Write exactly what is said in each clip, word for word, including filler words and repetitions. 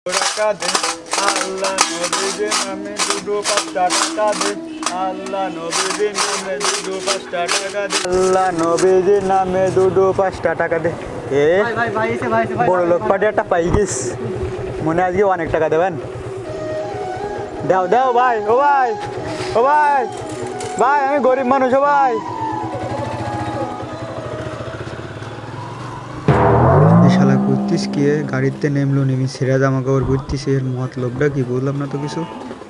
টাকা দে আল্লাহ নবীদের নামে দুটো পাঁচটা টাকা দে আল্লাহ নবীদের নামে দুটো পাঁচটা টাকা দে আল্লাহ নবীদের নামে দুটো পাঁচটা টাকা দে এ ভাই ভাই এসে ভাই এসে ভাই বড় লোক পার্টি একটা পাই গেছ মনে আজকে অনেক টাকা দেবেন দাও দাও ভাই ও ভাই ও ভাই ভাই আমি গরিব মানুষ ও ভাই শালা করতিস কি গাড়িতে নেমলো নেমি ছেঁড়া জামা কাপড় পরতিস এর মতলবটা কি বললাম না তো কিছু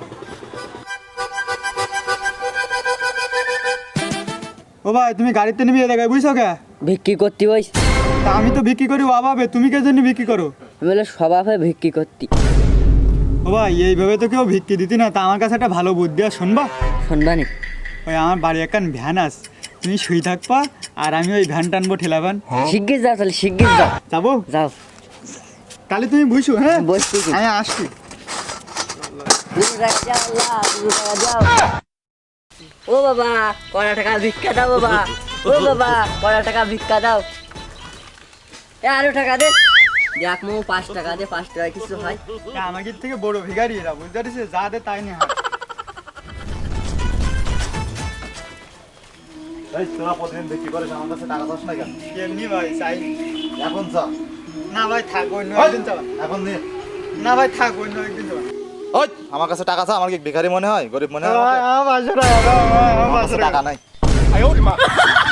ও ভাই তুমি গাড়িতে নেমে দেখায় বুঝছো কে ভিক্ষি করতে বইস তা আমি তো বিক্রি করি অভাবে তুমি কে জন্য বিক্রি করো আমি বলে স্বভাবে ভিক্ষি করতি ও ভাই এইভাবে তো কেউ ভিক্ষি দিতি না তা আমার কাছে একটা ভালো বুদ্ধি আর শুনবা শুনবানি ওই আমার বাড়ি একখান ভ্যান আস তুমি শুই থাকবা আর আমি ওই ভ্যান টানবো ঠেলা ভ্যান শিগগির যাও তাহলে শিগগির যাও যাবো যাও তাহলে তুমি বুঝছো হ্যাঁ বসছি কি? আমি আসছি দুশো টাকা যাও আল্লাহ, দুশো টাকা যাও ও বাবা কড়া টাকা ভিক্ষা দাও বাবা ও বাবা কড়া টাকা ভিক্ষা দাও এ আরো টাকা দে দেখ মো পাঁচ টাকা দে পাঁচ টাকা কিছু হয় এ আমাদের থেকে বড় ভিখারি এরা বুঝতে পারছিস যা দে তাই নিয়ে হয় এই তোরা প্রতিদিন বিক্রি করিস আমার কাছে টাকা দশ না কেন এমনি ভাই চাই এখন চা না ভাই থাক অন্য একদিন যাবা এখন নে না ভাই থাক অন্য একদিন যাবা ওই আমার কাছে টাকা চা আমার কি ভিখারি মনে হয় গরিব মনে হয় ভাই আমাকে? আমার পাঁচশো টাকা দাও, ভাই, আমার আমার পাঁচশো কাছে টাকা টাকা নাই